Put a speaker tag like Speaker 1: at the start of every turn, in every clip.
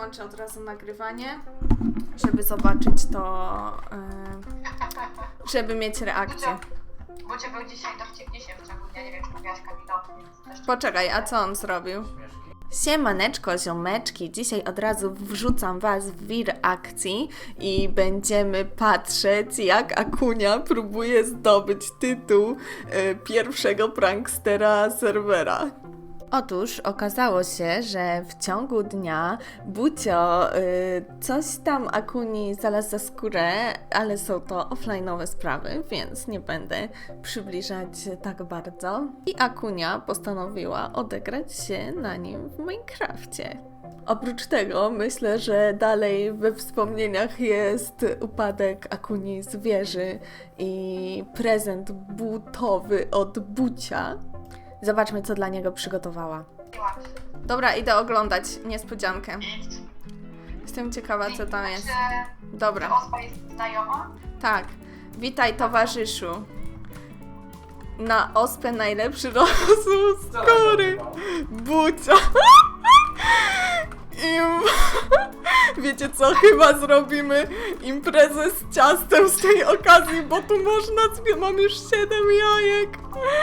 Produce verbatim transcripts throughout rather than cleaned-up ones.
Speaker 1: włączę od razu nagrywanie, żeby zobaczyć to, yy, żeby mieć reakcję.
Speaker 2: Bo cię był dzisiaj dowcipniejszy w ciągu dnia, nie wiem, czy mówiłaś Kamilowi, więc też...
Speaker 1: Poczekaj, a co on zrobił? Siemaneczko, ziomeczki, dzisiaj od razu wrzucam was w wir akcji i będziemy patrzeć, jak Akunia próbuje zdobyć tytuł y, pierwszego prankstera serwera. Otóż okazało się, że w ciągu dnia Bucio y, coś tam Akuni znalazł za skórę, ale są to offline'owe sprawy, więc nie będę przybliżać tak bardzo. I Akunia postanowiła odegrać się na nim w Minecrafcie. Oprócz tego myślę, że dalej we wspomnieniach jest upadek Akuni z wieży i prezent butowy od Bucia. Zobaczmy, co dla niego przygotowała. Dobra, idę oglądać niespodziankę. Jestem ciekawa, co tam jest. Dobra.
Speaker 2: Czy Ospa jest znajoma?
Speaker 1: Tak. Witaj, towarzyszu. Na ospę najlepszy rosół skóry. Bucia. I wiecie co? Chyba zrobimy imprezę z ciastem z tej okazji, bo tu można... Mam już siedem jajek.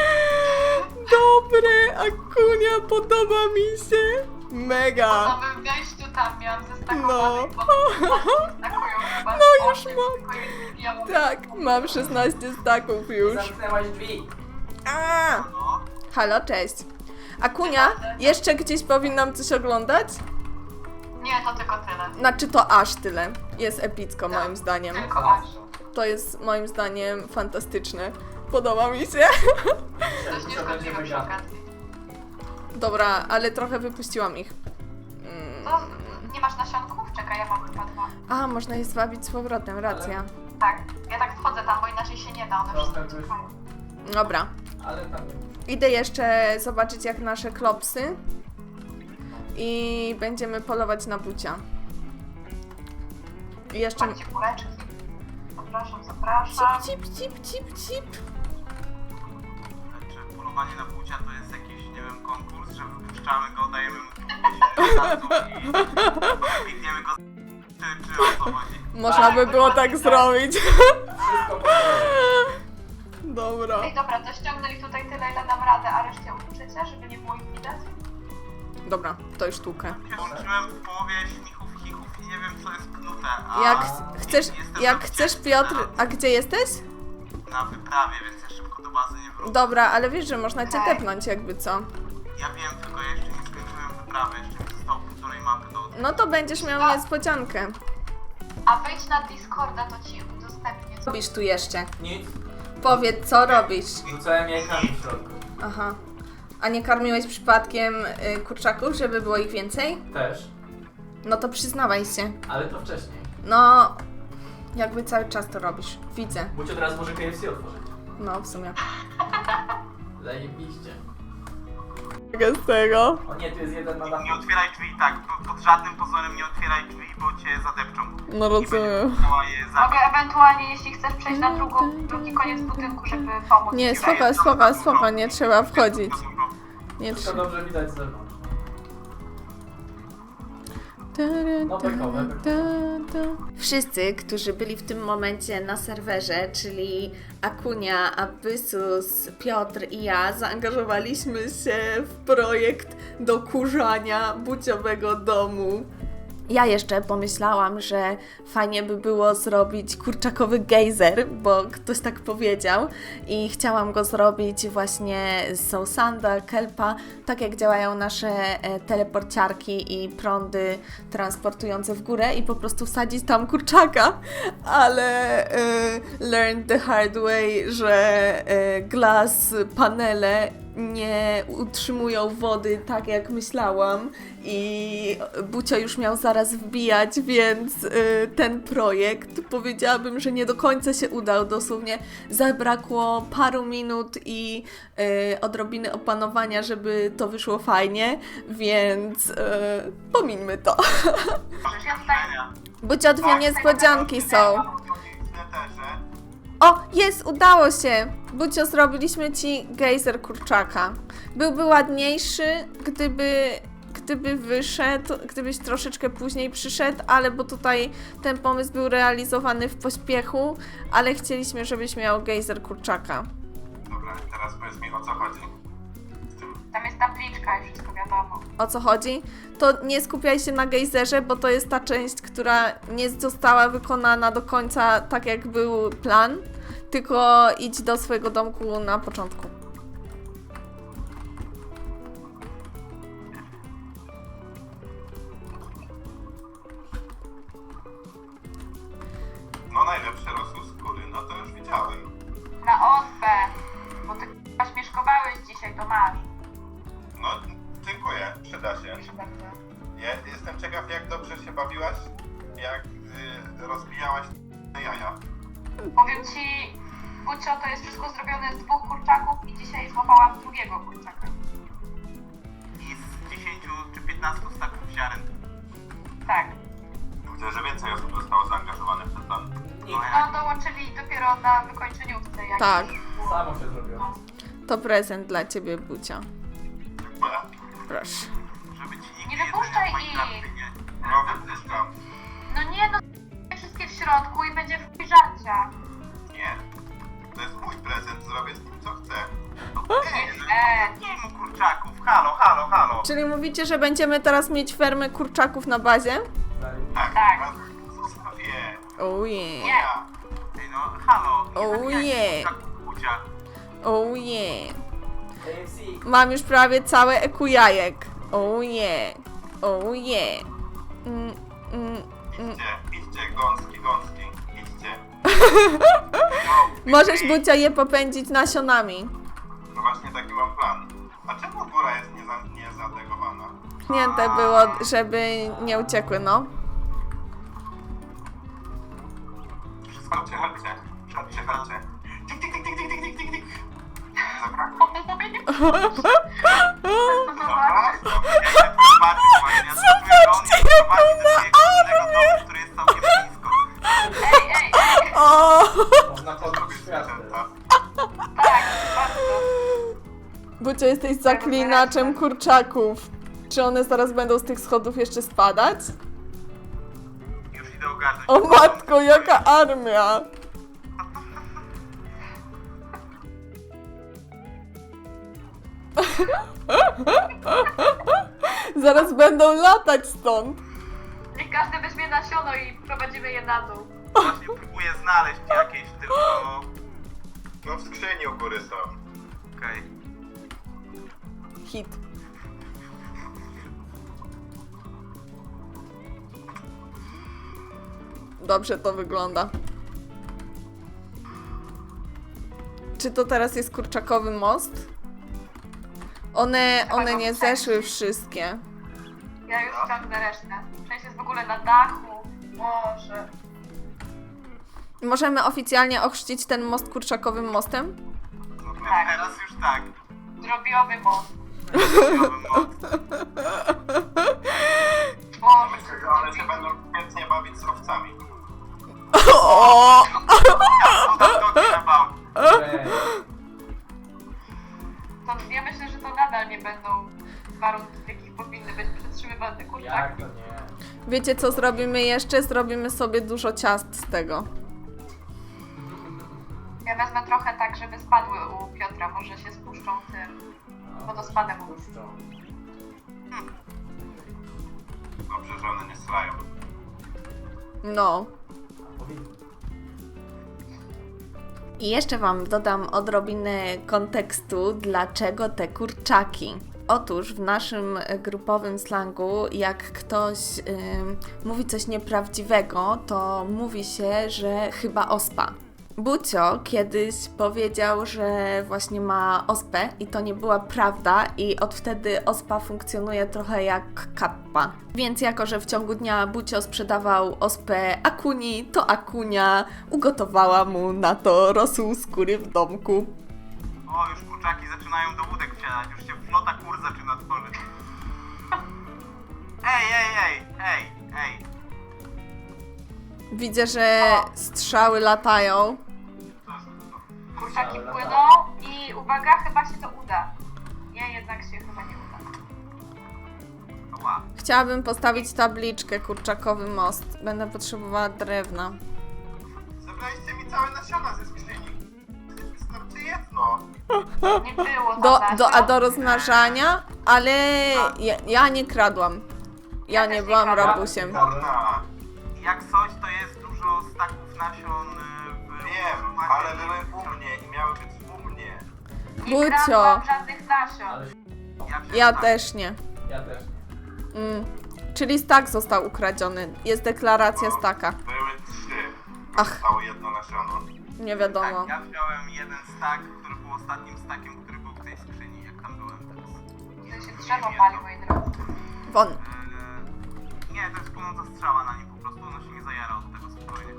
Speaker 1: Dobre, Akunia, podoba mi się. Mega.
Speaker 2: Po nowym wejściu tam miałam zestakowanych,
Speaker 1: No.
Speaker 2: bo stakują chyba.
Speaker 1: No już
Speaker 2: osiem,
Speaker 1: mam.
Speaker 2: tylko jest- ja mówię,
Speaker 1: Tak, mam szesnaście staków już.
Speaker 3: Zamknęłaś drzwi.
Speaker 1: A! Halo, cześć. Akunia, jeszcze gdzieś powinnam coś oglądać?
Speaker 2: Nie, to tylko tyle.
Speaker 1: Znaczy to aż tyle. Jest epicko moim zdaniem.
Speaker 2: Tylko aż.
Speaker 1: To jest moim zdaniem fantastyczne. Podoba mi się.
Speaker 2: Coś nie szkodliwe przy okazji.
Speaker 1: Dobra, ale trochę wypuściłam ich.
Speaker 2: To nie masz nasionków? Czekaj, ja mam chyba dwa.
Speaker 1: A, można je zwabić z powrotem, racja.
Speaker 2: Tak, ja tak wchodzę tam, bo inaczej się nie da, one
Speaker 3: Trochę
Speaker 2: wszystkie
Speaker 3: byś-
Speaker 2: czekają.
Speaker 1: Dobra.
Speaker 3: Ale tam nie.
Speaker 1: Idę jeszcze zobaczyć jak nasze klopsy. I będziemy polować na Bucia. I jeszcze...
Speaker 2: Macie kuleczki. Zapraszam, zapraszam.
Speaker 1: Cip, cip, cip, cip, cip.
Speaker 4: Czy polowanie na Bucia to jest jakiś, nie wiem, konkurs, że wypuszczamy go, dajemy mu i biegniemy go z... czy, czy o co chodzi?
Speaker 1: Można by było tak zrobić.
Speaker 3: Wszystko po
Speaker 1: Dobra.
Speaker 2: Ej, dobra, to ściągnę ich tutaj tyle, ile dam radę, a resztę uczycie, żeby nie było ich widać?
Speaker 1: Dobra, to już sztukę.
Speaker 4: Włączyłem w połowie śmichów, chichów i nie wiem, co jest knute, a...
Speaker 1: Jak ch- chcesz,
Speaker 4: jestem
Speaker 1: jak
Speaker 4: na
Speaker 1: chcesz
Speaker 4: wycieczce
Speaker 1: Piotr,
Speaker 4: na-
Speaker 1: a gdzie jesteś?
Speaker 4: Na wyprawie, więc ja szybko do bazy nie wrócę.
Speaker 1: Dobra, ale wiesz, że można cię
Speaker 2: Okej.
Speaker 1: tepnąć jakby co.
Speaker 4: Ja wiem, tylko ja jeszcze nie skończyłem wyprawy, jeszcze mi zostało półtorej mapy do...
Speaker 1: No to będziesz miał niespodziankę.
Speaker 2: A wejdź na Discorda, to ci udostępnię.
Speaker 1: Co robisz tu jeszcze?
Speaker 3: Nic.
Speaker 1: Powiedz, co robisz?
Speaker 3: Rzucałem jajkami w środku.
Speaker 1: Aha. A nie karmiłeś przypadkiem y, kurczaków, żeby było ich więcej?
Speaker 3: Też.
Speaker 1: No to przyznawaj się.
Speaker 3: Ale to wcześniej.
Speaker 1: No, jakby cały czas to robisz. Widzę.
Speaker 3: Bucio teraz może K F C otworzyć.
Speaker 1: No, w sumie.
Speaker 3: Zajebiście.
Speaker 1: Z tego?
Speaker 3: O nie, tu jest jeden na dachu.
Speaker 4: Nie otwieraj drzwi, tak, po- pod żadnym pozorem nie otwieraj drzwi, bo cię zadepczą.
Speaker 1: No
Speaker 4: I będziesz
Speaker 1: rozumiem.
Speaker 4: musiała je zabić.
Speaker 2: Mogę ewentualnie, jeśli chcesz przejść na drugą, drugi koniec budynku, żeby pomóc.
Speaker 1: Nie,
Speaker 2: ci.
Speaker 1: spoko, spoko, spoko, nie trzeba wchodzić. Nie
Speaker 3: Wszystko
Speaker 1: trzeba.
Speaker 3: dobrze widać z zewnątrz.
Speaker 1: Wszyscy, którzy byli w tym momencie na serwerze, czyli Akunia, Abyssus, Piotr i ja, zaangażowaliśmy się w projekt dokurzania buciowego domu. Ja jeszcze pomyślałam, że fajnie by było zrobić kurczakowy gejzer, bo ktoś tak powiedział i chciałam go zrobić właśnie z Sousanda, Kelpa, tak jak działają nasze e, teleporciarki i prądy transportujące w górę i po prostu wsadzić tam kurczaka, ale e, learned the hard way, że e, glass panele nie utrzymują wody tak jak myślałam i Bucio już miał zaraz wbijać, więc y, ten projekt powiedziałabym, że nie do końca się udał. Dosłownie zabrakło paru minut i y, odrobiny opanowania, żeby to wyszło fajnie, więc y, pomińmy to.
Speaker 2: Możesz ja tutaj...
Speaker 1: Bucio, dwie niespodzianki są.
Speaker 4: Netherze.
Speaker 1: O, jest, udało się! Bucio, zrobiliśmy ci gejzer kurczaka. Byłby ładniejszy, gdyby, gdyby wyszedł, gdybyś troszeczkę później przyszedł, ale bo tutaj ten pomysł był realizowany w pośpiechu, ale chcieliśmy, żebyś miał gejzer kurczaka.
Speaker 4: Dobra, teraz powiedz mi, o co chodzi. Z tym.
Speaker 2: Tam jest tabliczka i wszystko wiadomo.
Speaker 1: O co chodzi? To nie skupiaj się na gejzerze, bo to jest ta część, która nie została wykonana do końca tak, jak był plan, tylko idź do swojego domku na początku.
Speaker 4: No najlepsze rosół skóry, no to już widziałem.
Speaker 2: Na ospę, bo ty k***a śmieszkowałeś dzisiaj, to masz.
Speaker 4: No, dziękuję, przyda się.
Speaker 2: Proszę bardzo.
Speaker 4: Ja jestem ciekaw, jak dobrze się bawiłaś, jak y, rozbijałaś jaja.
Speaker 2: Powiem ci, Bucio, to jest wszystko zrobione z dwóch kurczaków i dzisiaj złapałam drugiego kurczaka.
Speaker 4: I z dziesięciu czy piętnastu staków ziaren.
Speaker 2: Tak.
Speaker 4: Widzę, że więcej osób zostało zaangażowanych w ten plan.
Speaker 3: Nikt.
Speaker 2: No dołączyli dopiero na wykończeniówce. Jak
Speaker 1: Tak.
Speaker 2: było.
Speaker 3: Samo się zrobiło.
Speaker 2: No.
Speaker 1: To prezent dla ciebie, Bucia.
Speaker 4: Dziękuję.
Speaker 1: Proszę.
Speaker 4: Żeby ci nikt
Speaker 2: Nie wypuszczaj
Speaker 4: jedzenia w
Speaker 2: ich.
Speaker 4: Minecrafcie nie... No wypuszczam.
Speaker 2: No nie, no wszystkie w środku i będzie w żarcia.
Speaker 4: Nie. To jest mój prezent, zrobię z nim co chcę.
Speaker 2: Nie, e,
Speaker 4: Nie mu kurczaków, halo, halo, halo.
Speaker 1: Czyli mówicie, że będziemy teraz mieć fermę kurczaków na bazie?
Speaker 4: Tak,
Speaker 2: Tak.
Speaker 4: no, zostaw je.
Speaker 1: Oh yeah.
Speaker 2: Nie.
Speaker 4: Ja. Ej no, halo. Nie
Speaker 1: Oh
Speaker 4: zabijajcie
Speaker 1: yeah.
Speaker 4: kurczaków, Bucia.
Speaker 1: Oh yeah.
Speaker 3: K F C.
Speaker 1: Mam już prawie całe eku jajek. Oh yeah. Oh yeah. Mm, mm, mm.
Speaker 4: Idźcie, idźcie, gąski, gąski, idźcie.
Speaker 1: Możesz, Bucia, je popędzić nasionami.
Speaker 4: No właśnie taki mam plan. A czemu góra jest nieza, niezategowana?
Speaker 1: Pchnięte było, żeby nie uciekły, no.
Speaker 4: Wszystko, chodźcie, chodźcie, chodźcie, chodźcie. Tik, tik, tik, tik, tik, tik, tik, tik. Dobra,
Speaker 2: o mój
Speaker 4: dobra,
Speaker 2: Zobacz.
Speaker 4: dobra, ja idę tu zobaczyć właśnie, ja spróbuję go on mnie prowadzi do swojego innego domu, który jest całkiem blisko.
Speaker 2: Ej, ej, ej.
Speaker 1: O!
Speaker 3: Można
Speaker 4: Co
Speaker 3: podbić
Speaker 4: robisz,
Speaker 3: światło.
Speaker 4: zwierzęta?
Speaker 2: Tak, bardzo.
Speaker 1: Bucia, jesteś zaklinaczem kurczaków. Czy one zaraz będą z tych schodów jeszcze spadać?
Speaker 4: Już idę ogarnąć.
Speaker 1: O matko, jaka armia! Zaraz będą latać stąd.
Speaker 2: Niech każdy weźmie nasiono i prowadzimy je na dół.
Speaker 4: Właśnie próbuję znaleźć jakieś, tylko... No w skrzyni u góry są. Okej.
Speaker 1: Hit. Dobrze to wygląda. Czy to teraz jest kurczakowy most? One, one nie zeszły wszystkie.
Speaker 2: Ja już ciągnę resztę. Część jest w ogóle na dachu. Może.
Speaker 1: Możemy oficjalnie ochrzcić ten most kurczakowym mostem?
Speaker 4: No
Speaker 2: Tak.
Speaker 4: teraz już tak.
Speaker 2: Drobiowy most.
Speaker 4: Nowy most.
Speaker 2: Boże,
Speaker 4: Myślę, że one się będą świetnie bawić z owcami.
Speaker 1: O!
Speaker 4: Ja podam nogi na bał.
Speaker 3: Ej,
Speaker 2: to ja myślę, że to nadal nie będą warunki, w jakich powinny być przetrzymywane
Speaker 3: jak
Speaker 2: kurczaki.
Speaker 3: to nie?
Speaker 1: Wiecie co zrobimy jeszcze? Zrobimy sobie dużo ciast z tego.
Speaker 2: Ja wezmę trochę tak, żeby spadły u Piotra. Może się spuszczą tym wodospadem.
Speaker 3: Puszczą.
Speaker 4: Dobrze, że one nie srają.
Speaker 1: No.
Speaker 3: Powinny.
Speaker 1: I jeszcze Wam dodam odrobinę kontekstu, dlaczego te kurczaki. Otóż w naszym e, grupowym slangu, jak ktoś ym, mówi coś nieprawdziwego, to mówi się, że chyba ospa. Bucio kiedyś powiedział, że właśnie ma ospę i to nie była prawda i od wtedy ospa funkcjonuje trochę jak kappa. Więc jako, że w ciągu dnia Bucio sprzedawał ospę Akuni, to Akunia ugotowała mu na to rosół skóry w domku.
Speaker 4: O, już kurczaki zaczynają do łódek wsiadać. Już się flota kur zaczyna tworzyć. Ej, ej, ej, ej, ej.
Speaker 1: Widzę, że strzały latają.
Speaker 4: To jest to.
Speaker 2: Kurczaki
Speaker 3: Ale
Speaker 2: płyną
Speaker 3: tak.
Speaker 2: i uwaga, chyba się to uda. Nie, jednak się chyba nie uda.
Speaker 4: No Ła.
Speaker 1: Chciałabym postawić tabliczkę kurczakowy most. Będę potrzebowała drewna.
Speaker 4: Zabraliście mi całe nasiona ze skrzyni. Wystarczy jedno.
Speaker 2: Nie było tam
Speaker 1: Do,
Speaker 2: nasion.
Speaker 1: do, a do rozmnażania? Ale ja, ja nie kradłam. Ja
Speaker 2: Ja
Speaker 1: nie
Speaker 2: też nie
Speaker 1: byłam
Speaker 2: kradłam.
Speaker 1: rabusiem.
Speaker 4: Morda. Jak coś, to jest dużo staków nasion y, w...
Speaker 5: Wiem, ale były u mnie i miały być u mnie.
Speaker 2: Nie
Speaker 1: Bucio.
Speaker 2: kradłam żadnych nasion.
Speaker 3: Ale
Speaker 4: Ja,
Speaker 1: Ja
Speaker 4: przyznam.
Speaker 1: też nie.
Speaker 3: ja też nie.
Speaker 1: Mm. Czyli stak został ukradziony. Jest deklaracja staka.
Speaker 5: Były trzy.
Speaker 1: Ach.
Speaker 5: Zostało jedno nasiono.
Speaker 1: Nie wiadomo.
Speaker 4: Tak, ja wziąłem jeden stak, który był ostatnim stakiem, który był w tej skrzyni, jak tam byłem teraz.
Speaker 2: To się drzewo pali, moi drodzy.
Speaker 1: Won.
Speaker 4: Eee, nie, to jest płonąca strzała na nim, po prostu ono się nie zajara od tego spokojnie.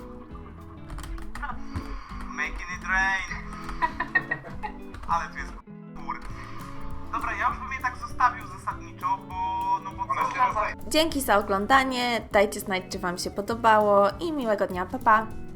Speaker 4: Making it rain! Ale tu jest kur. Dobra, ja już bym je tak zostawił zasadniczo, bo no bo
Speaker 5: One
Speaker 4: co?
Speaker 5: się rozdają.
Speaker 1: Dzięki za oglądanie. Dajcie znać, czy Wam się podobało i miłego dnia. Pa, pa.